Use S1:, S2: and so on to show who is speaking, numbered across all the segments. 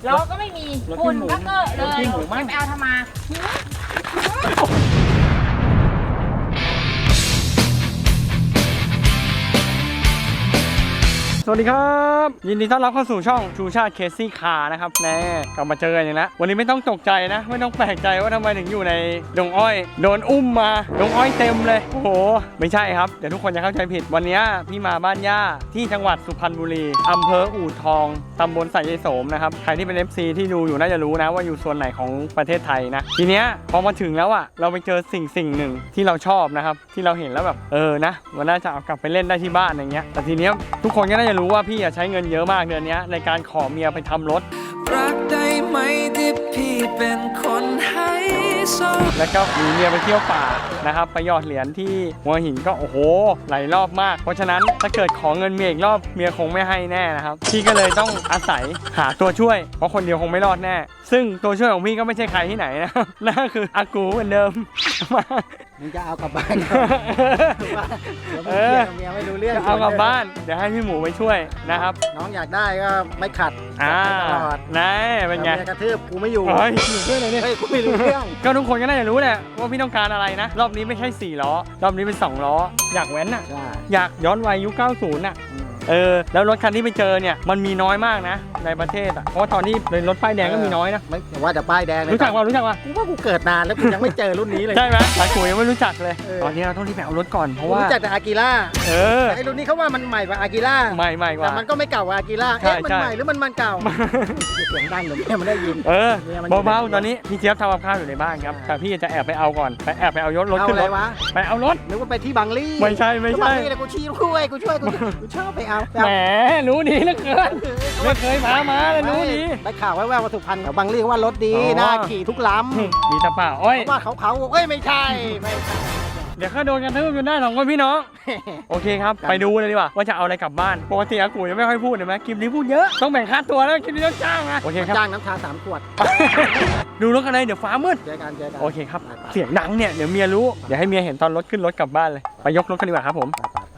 S1: ล้อก็ไม่มีฝุ่นก็เกอะเลยไปเอาทำไม
S2: สวัสดีครับยินดีต้อนรับเข้าสู่ช่องชูชาติเคซี่คาร์นะครับแน่กลับมาเจอกันอีกแล้ววันนี้ไม่ต้องตกใจนะไม่ต้องแปลกใจว่าทำไมถึงอยู่ในดงอ้อยโดนอุ้มมาดงอ้อยเต็มเลยโอ้โหไม่ใช่ครับเดี๋ยวทุกคนจะเข้าใจผิดวันนี้พี่มาบ้านย่าที่จังหวัดสุพรรณบุรีอำเภออู่ทองตำบลสายยายโสมนะครับใครที่เป็น FC ที่ดูอยู่น่าจะรู้นะว่าอยู่ส่วนไหนของประเทศไทยนะทีเนี้ยพอมาถึงแล้วอ่ะเราไปเจอสิ่งหนึ่งที่เราชอบนะครับที่เราเห็นแล้วแบบนะมันน่าจะเอากลับไปเล่นได้ที่บ้านอย่างเงี้ยแต่ทีเนี้ยทุกคนก็น่าจะรู้ว่าพี่ใช้เงินเยอะมากเดือนนี้ในการขอเมียไปทำรถรักได้ไหมที่พี่เป็นคนให้โซแล้วก็มีเมียไปเที่ยวป่านะครับไปหยอดเหรียญที่หัวหินก็โอ้โหหลายรอบมากเพราะฉะนั้นถ้าเกิดขอเงินเมียอีกรอบเมียคงไม่ให้แน่นะครับพี่ก็เลยต้องอาศัยหาตัวช่วยเพราะคนเดียวคงไม่รอดแน่ซึ่งตัวช่วยของพี่ก็ไม่ใช่ใครที่ไหนนะนั่นคืออากูเหมือนเดิมมา
S3: มึงจะเอากลับบ้านเมียไม่รู้เรื่อง
S2: เอากลับบ้านเดี๋ยวให้พี่หมูไปช่วยนะครับ
S3: น้องอยากได้ก็ไม่ขัดตลอด
S2: นายเป็นไง
S3: กระทืบกูไม่อยู่
S2: อยู่ด้วยเลยเนี่ย
S3: กูไม่รู้เรื่อง
S2: ก็ทุกคนก็น่าจะรู้แหละว่าพี่ต้องการอะไรนะรอบนี้ไม่ใช่4ล้อรอบนี้เป็น2ล้ออยากแว้นอ่ะอยากย้อนวัยยุค90อ่ะแล้วรถคันที่ไปเจอเนี่ยมันมีน้อยมากนะในประเทศอ่ะเพราะว่าตอนนี้รถป้ายแดงก็มีน้อยนะ
S3: ไม่ว่าแต่ป้ายแดง
S2: รู้จักว่า
S3: กูว่ากูเกิดนานแล้วกูยังไม่เจอรุ่นนี้เลย
S2: ใช่ไหมหลายคนยังไม่รู้จักเลยตอนนี้เราต้องรีบไปเอารถก่อนเพราะว่า
S3: รู้จักแต่อากิล่าไอ้รุ่นนี้เขาว่ามันใหม่กว่าอากิล่า
S2: ใหม่กว่า
S3: แต่มันก็ไม่เก่ากว่าอากิล่ามันใหม่หรือมันเก่าเสียงดังเดี๋ยวแม่มันได้ยิน
S2: เบาๆตอนนี้พี่เจี๊ยบทำกับข้าวอยู่ในบ้านครับแต่พี่จะแอบไปเอาก่อนแอบไปเอารถขึ้นรถไปเอารถ
S3: นึกว่าไปที่บางลี่
S2: ไม่ใช่
S3: บางลี่แต่กูช่วยกูชอบไปเอา
S2: แหมรู้ดีเหลือเกินไม่เคยมาเลยรู้ดี
S3: ได้ข่าวแว่วๆว่าสุพรรณบางลี่ว่ารถดีน่าขี่ทุกลำ
S2: มีตะป่าอ้อย
S3: ว่าเขาไม่ใช่
S2: เดี๋ยวข้าโดนกันทืบอยู่หน้า2คนพี่น้องโอเคครับไปดูเลยดีกว่าว่าจะเอาอะไรกลับบ้านปกติอากูยังไม่ค่อยพูดเห็นไหมคลิปนี้พูดเยอะต้องแบ่งค่าตัวแล้วคลิปนี้ต้องจ้างนะโอเคครับ
S3: จ้างน้ำชา3 ขวด
S2: ดูรถกันเลยเดี๋ยวฟ้ามืด
S3: เจอกัน
S2: โอเคครับเสียงดังเนี่ยเดี๋ยวเมียรู้เดี๋ยวให้เมียเห็นตอนรถขึ้นรถกลับบ้านเลยไปยกรถกันดีกว่าครับผม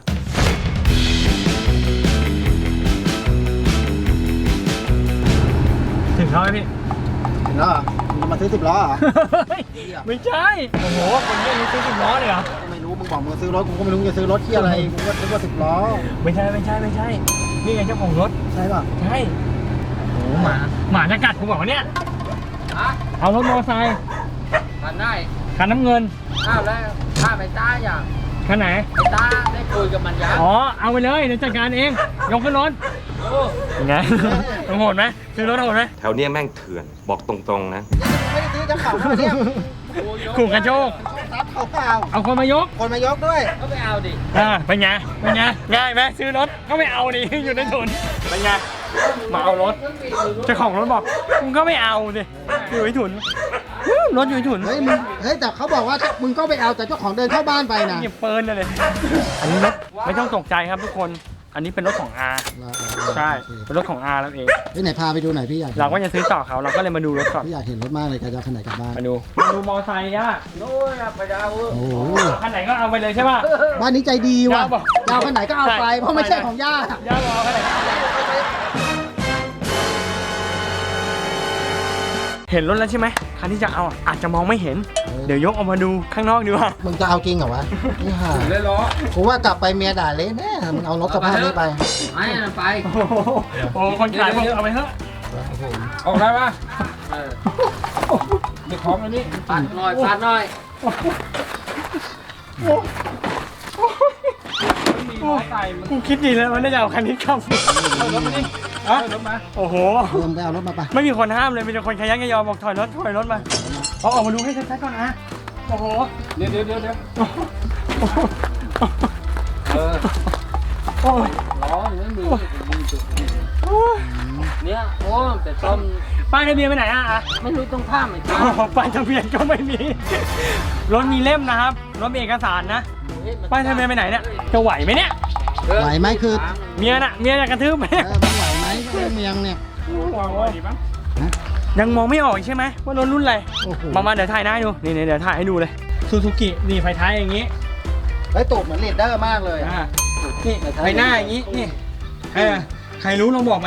S2: ถึงเขาไหมพี่
S3: ถึงแล้วมึงมาซื้อ10 ล้อเหรอ
S2: ไม่ใช่โอ้โหคนนี้ซื้อ10 ล้อเลยเหรอ
S3: ไม่รู้มึงบอกมึงซื้อรถกูก็ไม่รู้จะซื้อรถที่อะไรกูก็ซื้อว่า10 ล้อ
S2: ไม่ใช่นี่ไงเจ้าของรถ
S3: ใช่ป่ะ
S2: ใช่โอ้หมาจะกัดกูบอกว่าเนี่ยเอารถมอเตอร์ไซค์
S4: คันไหน
S2: คันน้ำเงิน
S4: แล้วข้าไม่ตายอย่าง
S2: คันไหน
S4: ไม่ตาได้คุยกับมันยัง
S2: เอาไปเลยเดี๋ยวจัดการเองยกขึ้นรถไงต้องโหดไหมซื้อรถโหดไหม
S5: แถวเนี้ยแม่งเถื่อนบอกตรงๆนะ
S3: ไม่ได้ซื้อจะเข่าเนี่ย
S2: ขู่กระโจกเอาคนมายก
S3: ด้วย
S4: ก็ไปเอาดิ
S2: เป็นไงง่ายไหมซื้อรถก็ไม่เอาดิอยู่ในถุนเป็นไงมาเอารถเจ้าของรถบอกมึงก็ไม่เอาดิอยู่ในถุนรถอยู่ในถุน
S3: เฮ้ยแต่เขาบอกว่ามึงก็ไปเอาแต่เจ้าของเดินเข้าบ้านไปนะ
S2: หยิบปืนเลยอันนี้รถไม่ต้องตกใจครับทุกคนอันนี้เป็นรถของอาใช่เป็นรถของอาแล้วเอง
S3: ที่ไหนพาไปดูหน่อยพี่อยาก
S2: เราก็จะซื้อต่อเขาเราก็เลยมาดูรถก่อน
S3: พี่อยากเห็นรถมากเลยจะเอาคันไหนกลับบ้าน
S2: มาดูมอไซค์ย่า
S4: โน้ยไปเอา
S3: โอ้
S2: คันไหนก็เอาไปเลยใช่ป่ะ
S3: บ้านนี้ใจดีว่ะยาวคันไหนก็เอาไปเพราะไม่ใช่ของย่า
S2: บอกคันไหนเห็นรถแล้วใช่ไหมคันที่จะเอาอาจจะมองไม่เห็นเดี๋ยวยกออกมาดูข้างนอกดีกว่า
S3: มึงจะเอาจริงเหรอวะนี่ห่า
S4: เลยล้อ
S3: กูว่ากลับไปเมียด่าเลยแน่มึงเอารถสภาพนี้ไป
S4: ไป
S2: โอ้คนขายบอกเอาไปเถอะ
S4: ออกได้ปะเดี๋ยวของอันนี้ปัดหน่อย
S2: กูคิดดีแล้วมันได้จะเอาคันนี้ขับรถมาดิรถมาโอ้โห
S3: ไปเอารถมาไป
S2: ไม่มีคนห้ามเลยมีแต่คนขยันขยอบอกถอยรถมาเอาออกมาดูให้ชัดๆก่อนนะโอ้โห
S4: เดี๋ยว
S2: โอ้ย
S4: ล้อไม่มีเนี่ยโอ้แต่ต้ม
S2: ป้ายทะเบียนไปไหน
S4: ไม่รู้ต้องข้ามไหม
S2: ป้ายทะเบียนก็ไม่มีรถมีเล่มนะครับรถมีเอกสารนะป้ายทะเบียนไปไหนเนี่ยจะไหวไหมเนี่ย
S3: ไหวไหมคือ
S2: เมียจะกระทืบไหม
S3: มันไหวไหมเมียเนี่ย
S2: ยังมองไม่ออกใช่ไหมว่ารถรุ่นอะไรมาเดี๋ยวถ่ายหน้าให้ดูนี่เดี๋ยวถ่ายให้ดูเลยซูซูกินี่ไฟท้ายอย่างนี้
S3: ตูดเหมือนเลดเดอร์มากเลย
S2: นี่ไฟหน้าอย่างนี้นี่ใครรู้ลองบอกมาดิ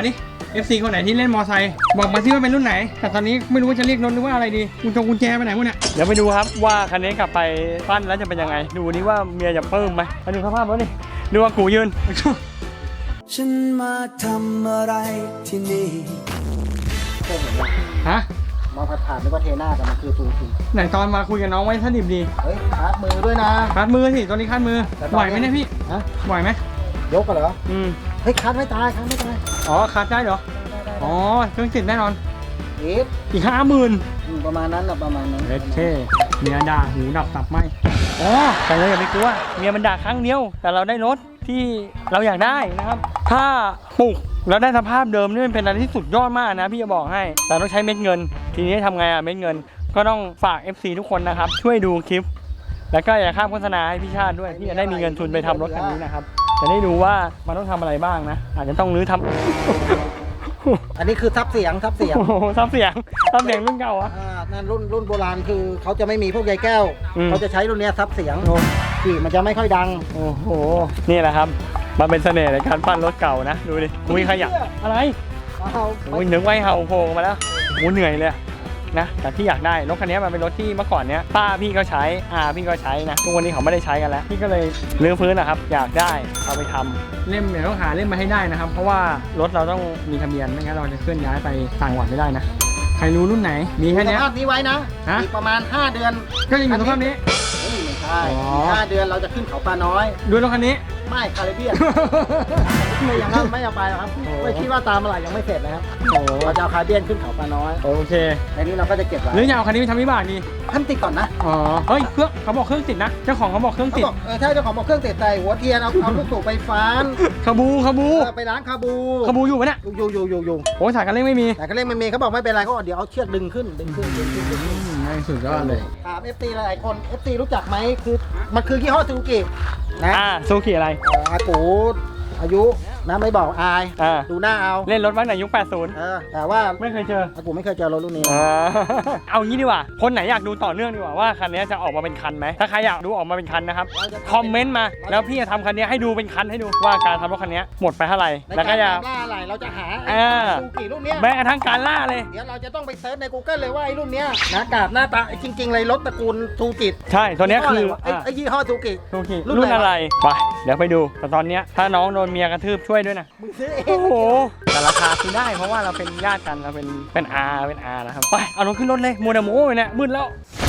S2: FC คนไหนที่เล่นมอไซค์บอกมาที่ว่าเป็นรุ่นไหนแต่ตอนนี้ไม่รู้ว่าจะเรียกรถหรือว่าอะไรดีกุญแจไปไหนวะเนี่ยเดี๋ยวไปดูครับว่าคันนี้กลับไปปั้นแล้วจะเป็นยังไงดูนี่ว่าเมียจะเพิ่มไหมไปดูสภาพรถนี่ดูว่ากูยืน
S6: ฉันมาทำอะไรที่นี่
S3: เคยเห็นไหม
S2: ฮะ
S3: มองผ่านๆนึกว่าเทน่าแต่มันคือซูซู
S2: ไหนตอนมาคุยกับน้องไว้ถ้าดิบดี
S3: เฮ้ยคาดมือด้วยนะ
S2: คาดมือสิตอนนี้คาดมือไหวไหมเนี่ยพี่
S3: ฮะ
S2: ไหวไหม
S3: ยกกันเหรอ
S2: อืม
S3: เฮ้ยคาดไม่ตายคาดไม่ตาย
S2: อ๋อคาดได้เหรออ๋อเครื่องติดแน่นอน
S3: เอ๊ะ
S2: อีก50,000
S3: ประมาณนั้นนะประมาณนั้น
S2: เล็ดเท่เมียด่าหูดับตับไหมอ๋อแต่เราอย่าไปกลัวเมียมันด่าครั้งเดียวแต่เราได้รถที่เราอยากได้นะครับถ้าปลุกแล้วได้สภาพเดิมนี่มันเป็นอะไรที่สุดยอดมากนะพี่จะบอกให้แต่ต้องใช้เม็ดเงินทีนี้ทำไงเม็ดเงินก็ต้องฝาก FC ทุกคนนะครับช่วยดูคลิปแล้วก็อย่าข้ามโฆษณาให้พี่ชาติด้วยพี่จะได้มีเงินทุนไปทำรถคันนี้นะครับจะได้ดูว่ามันต้องทำอะไรบ้างนะอาจจะต้องรื้อทำ
S3: อันนี้คือซับเสียงซับเสียง
S2: โอ้โหซับเสียงรุ่นเก่าอะ
S3: นั่นรุ่นโบราณคือเขาจะไม่มีพวกใยแก้ว
S2: อืม
S3: เขาจะใช้รุ่นเนี้ยซับเสียง
S2: โอ้
S3: ขี่มันจะไม่ค่อยดัง
S2: โอ้โหนี่แหละครับมันเป็นเสน่ห์ในการปั้นรถเก่านะดูดิมุ้ยขยับอะไร
S3: เอา
S2: โอ้ยนึกไว้เห่าโผล่มาแล้วโอ้เหนื่อยเลยนะแต่ที่อยากได้รถคันนี้มันเป็นรถที่เมื่อก่อนเนี้ยป้าพี่ก็ใช้พี่ก็ใช้นะทุกวันนี้เขาไม่ได้ใช้กันแล้วพี่ก็เลยรื้อฟื้นนะครับอยากได้เอาไปทำเล่มเดี๋ยวต้องหาเล่มมาให้ได้นะครับเพราะว่ารถเราต้องมีทะเบียนไม่งั้นเราจะเคลื่อนย้ายไปต่างจังหวัดไม่ได้นะใครรู้รุ่นไหนมีแค่
S3: ส
S2: เนี้ย
S3: ภาพนี้ไว้นะ
S2: ฮะ
S3: อีกประมาณ 5 เดือน
S2: ก็ยังอยู่สภาพนี้
S3: เฮ้ยไม่ใช่
S2: อ๋อ
S3: 5 เดือนเราจะขึ้นเขาปลาน้อย
S2: ดูรถคันนี้
S3: ไม่คาริเบียน ไม่อย่างนั้นไม่เอาไปหรอกครับ
S2: โอ้
S3: ไม่คิดว่าตามอะไรยังไม่เสร็จนะครับ
S2: โอ้โห
S3: เราจะเอาคาริเบียนขึ้นเขาปลาน้อย
S2: โอเค
S3: ในนี้เราก็จะเก็บไว้
S2: หรืออยากเอาคันนี้ไปทำวิบากดี
S3: ท่านติดก่อนนะ
S2: อ๋อเฮ้ยเครื่องเขาบอกเครื่องติดนะเจ้าของเขาบอกเครื่อง
S3: เขา
S2: ติด
S3: บอกถ้าเจ้าของบอกเครื่องติดใส่หัวเทียนเอาลูกสูบไปฟ้าน
S2: คาบู
S3: ไปล้างคาบู
S2: อยู่ปะเนี่ย
S3: อยู่
S2: โอ้ยสายการเร่งไม่มี
S3: แต่ก็เล่นไม่มีเขาบอกไม่เป็นไรเขาบอกเดี๋ยวเอาเชือกดึงขึ้น
S2: ง่ายสุดยอดเลย
S3: ถาม FT หลายๆคน FT รู้จักไหมคือมันคือยี่ห้อซูซูกินะ
S2: ซูกิอะไร
S3: อากูอายุนะไม่บอกอาย ดูหน้าเอา
S2: เล่นรถบ้างในยุค 80
S3: แต่ว่า
S2: ไม่เคยเจอ
S3: อากูไม่เคยเจอรถรุ่นนี้
S2: เอางี้ดีกว่า คนไหนอยากดูต่อเนื่องดีกว่าว่าคันนี้จะออกมาเป็นคันไหมถ้าใครอยากดูออกมาเป็นคันนะครับคอมเมนต์มาแล้วพี่จะทำคันนี้ให้ดูเป็นคันให้ดูว่าการทำรถคันนี้หมดไปเท่าไหร่
S3: ใน
S2: แล้วก็
S3: การ
S2: จะ
S3: ตามล่าอะไรเราจะหา ซูซูกิรุ่นเนี้ย
S2: แม้กระทั่งการล่าเลย
S3: เดี๋ยวเราจะต้องไปเซิร์ชใน Google เลยว่าไอ้รุ่นเนี้ยหน้ากาบหน้าตาจริงๆเลยรถตระกูลซูกิ
S2: ใช่ตัวเนี้ยคือ
S3: ไอ้ยี่ห้อซูกิ
S2: ซูกิ
S3: รุ่
S2: รุ่
S3: น
S2: น
S3: อะไร
S2: อะไรไปเดี๋ยวไปดูแต่ตอนเนี้ยถ้าน้องโดนเมียกระทืบช่วยด้วยนะ
S3: มึงซื้อเอ
S2: โอ้
S3: ง
S2: โหแต่ราคาคือได้เพราะว่าเราเป็นญาติกันเราเป็นอานะครับไปเอารถขึ้นรถเลยมัวแต่โม้อยู่เนี่ยมืดแล้ว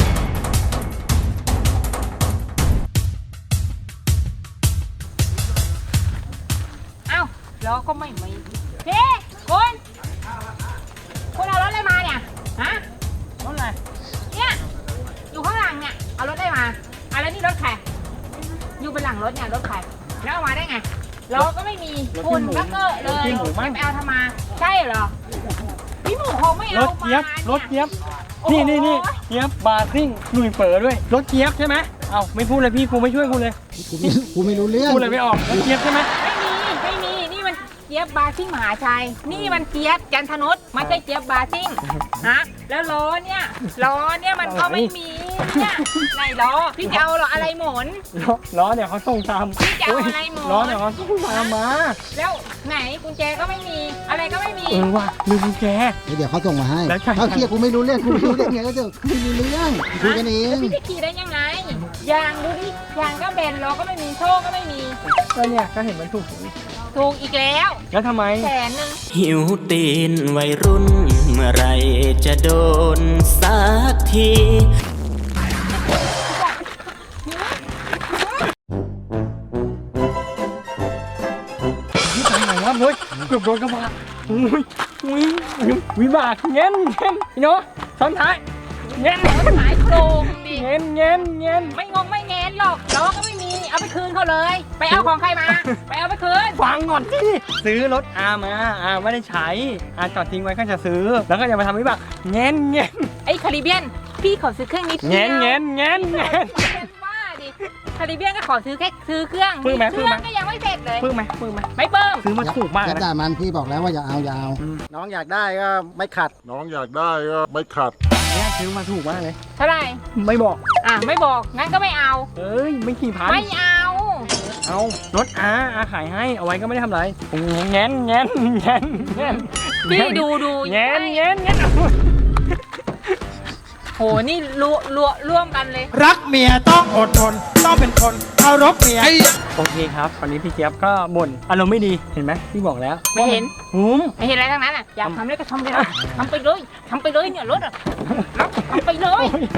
S1: เอ้าล้อก็ไม่มีพี่คุณเอารถอะไรมาเนี่ยฮะ
S2: รถอะไร
S1: เนี่ยอยู่ข้างหลังเนี่ยเอารถได้มาอะไรนี่รถใครอยู่บนหลังรถเนี่ยรถใครแล้วเอามาได้ไงล้อก็ไม่มีฝุ่นก็เกอะเลยไปเอาทำมาใช่เหรอพี่หมูคงไม่
S2: ร
S1: เอา
S2: ถ
S1: มา
S2: เจี๊ยบรถเจี๊ยบนี่เจี๊ยบบาร์ซิ่งหนุ่ยเป๋อด้วยรถเจี๊ยบใช่ไหมเอ้าไม่พูดเลยพี่กูไม่ช่วยกูเลย
S3: กูไม่รู้เรื่อง
S2: พูดเลยไม่ออกรถเจี๊ยบใช่ไหม
S1: ไม่มีนี่มันเจี๊ยบบาซิ่งมหาชัยนี่มันเจี๊ยบจันทนุชไม่ใช่เจี๊ยบบาซิ่งฮะแล้วล้อเนี่ยมันก็ไม่มีเนี่ยไหนล้อพี่จะเอาล้ออะไรหมุน
S2: ล้อเนี่ยเขาส่งตาม
S1: พี่จะเอาอะไรหมุน
S2: ล้อเนี่ยเขาส่งตามมา
S1: แล้วไหนกุญแจก็ไม่มีอะไรก็ไม่มี
S2: ว่ะลืมกุญแจ
S3: เดี๋ยวเขาส่งมาให้
S2: แล้วใช่
S3: เขาเคลียร์กูไม่รู้เรื่องกูไม่รู้ได้ไงก็จะไม่รู้เรื่องคุยกันเอง
S1: พี่จะขี่ได้ยังไงยางดูดิยางก็เบนล้อก็ไม่มีโชคก็ไม่มี
S2: ก็เนี่ยก็เห็นมันถูก
S1: ถูกอีกแล้ว
S2: แล้วทำไม
S1: 100,000
S6: หิวตีนวัยรุ่น เมื่อไรจะโดนสักที
S2: ที่ไหนวะเฮ้ยเกือบโดนกระบะอุ้ยวิบากเงี้ยพี่โน้ซ้อนท้ายเงี้ย
S1: หายโครงดิ
S2: เงี้ย
S1: ไม่งงไม่แงนหรอกล้อก็ไม่มีเอาไปคืนเขาเลย ไปเอาของใครมา ไปเอาไปคืน
S2: ฟังก่อนที่ซื้อรถมาไม่ได้ใช้จอดทิ้งไว้ก็จะซื้อแล้วก็จะมาทำวิบากเงี้ย
S1: ไอ้คาริเบียนพี่ขอซื้อเครื่องนิดเดียว
S2: เงี้ย
S1: ว่าดิคาริเบียนก็ขอซื้อเครื่อง
S2: ปึ้งไหม
S1: เครื่องก็ยังไม่เสร็จเลย
S2: ปึ้งไหม
S1: ไม่เบิ่ม
S2: ซื้อมาถูกมาก
S3: ยัด
S2: นะ
S3: ด่ามันพี่บอกแล้วว่าอย่าเอาน้องอยากได้ก็ไม่ขัด
S7: น้องอยากได้ก็ไม่ขัด
S2: เนี่ยซื้อมาถูกมากเลย
S1: เท่าไหร่
S2: ไม่บอก
S1: ไม่บอกงั้นก็ไม่เอา
S2: เอ้ยไม่กี่พัน
S1: ไม่เอา
S2: เอารถอาขายให้เอาไว้ก็ไม่ได้ทำไรเงี้ย
S1: พี่ดู
S2: เงี้ย
S1: โหนี่ร่วมกันเลย
S3: รักเมียต้องอดทน ต้องเป็นคนเคารพเมีย
S2: โอเคครับวันนี้พี่เจี๊ยบก็บ่นอารมณ์ไม่ดีเห็นไหมพี่บอกแล้ว
S1: ไม่เห็น
S2: หุม
S1: ไม่เห็นอะไรทั้งนั้นอ่ะอยากทำอะไรก็ทำเลยนะทำไปเลยเนี่ยรถอ่ะทำไปเลย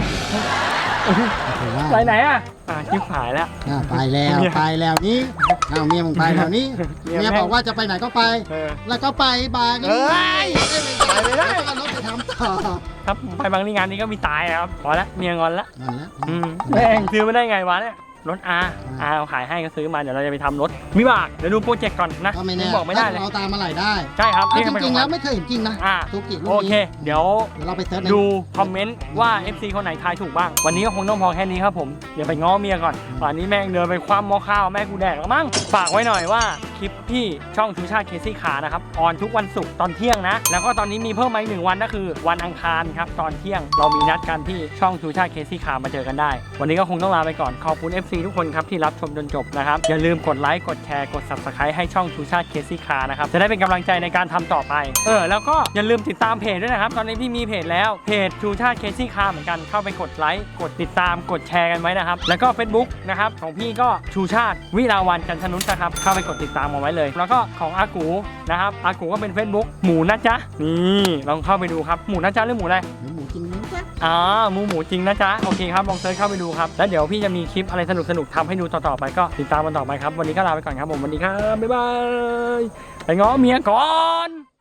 S2: ไปไหนอ่ะชิบหายแล้ว
S3: ไปแล้วนี่เอาเมียมึงไปแล้วนี่
S2: เมีย
S3: เมียบอกว่าจะไปไหนก็ไป แล้วก็ไปบางนี่
S2: ไปไม่ได้
S3: เอารถไปทำต่อ
S2: ครับไปบางทีงานนี้ก็มีตายครับพอละเมียงอนละ
S3: นั่นแหละ
S2: แม่งซื้อมาได้ไงวะเนี่ยรถอาเอาขายให้ก็ซื้อมาเดี๋ยวเราจะไปทำรถวิบากเดี๋ยวดูโปรเจกต์ก่อนนะ
S3: ก็ไม่แน่
S2: บอกไม่ได้เลย
S3: เอาตามมาไหลได้
S2: ใช่ครับ
S3: จ
S2: นี่ก็เป็น
S3: ริง
S2: ข
S3: ๆ
S2: อ
S3: แล้ว
S2: ง
S3: ไม่เคยเห็นจริงนะ
S2: อ่า
S3: ซูกิรุ่น
S2: โอ
S3: นี้
S2: เค เดี๋ยว
S3: เราไปเซิร์ชใน
S2: ดูคอมเมนต์ว่า FC คนไหนทายถูกบ้าง วันนี้ก็คงต้องพอแค่นี้ครับผม เดี๋ยวไปง้อเมียก่อนป่านนี้แม่งเดินไปคว้าหม้อข้าวแม่กูแดกแล้วมั้ง ฝากไว้หน่อยว่าคลิปที่ช่องชูชาติเคซี่ขานะครับ ออนทุกวันศุกร์ตอนเที่ยงนะ แล้วก็ตอนนี้มีเพิ่มมาอีก1 วันก็คือวันอังคารครับตอนเที่ยง เรามีนัดกันที่ช่องชูชาติเคซี่ขามาเจอกันได้ วันนี้ก็คงต้องลาไปก่อน ขอบคุณ FC ทุกคนครับที่รับชมจนจบนะครับ อย่าลืมกดไลค์ กดแชร์ กด Subscribe ให้ช่องชูชาติเคซี่ขานะครับ จะได้เป็นกำลังใจในการทำต่อไป แล้วก็อย่าลืมติดตามเพจด้วยนะครับ ตอนนี้พี่มีเพจแล้ว เพจชูชาติเคซี่คาเหมือนกัน เข้าไปกดไลค์ กดติดตาม กดแชร์กันไว้นะครับ แล้วก็ Facebook นะครับ ของพี่ก็ชูชาติวิลาวันจันทนุชนะครับ เข้าไปกดติดตามเอาไว้เลย แล้วก็ของอากูนะครับ อากูก็เป็น Facebook หมูนะจ๊ะ นี่ลองเข้าไปดูครับ หมูนะจ๊ะหรือหมูอะไร
S3: หมูจริงนะจ๊ะ
S2: หมูจริงนะจ๊ะ โอเคครับ ลองเซิร์ชเข้าไปดูครับ แล้วเดี๋ยวพี่จะมีคลิปอะไรสนุกๆทำให้ดูต่อๆไปก็ติดตามกันต่อไปครับ วันนี้ก็ลาไปก่อนครับผม วันนี้ครับ บ๊ายบาย ไปง้อเมียก่อน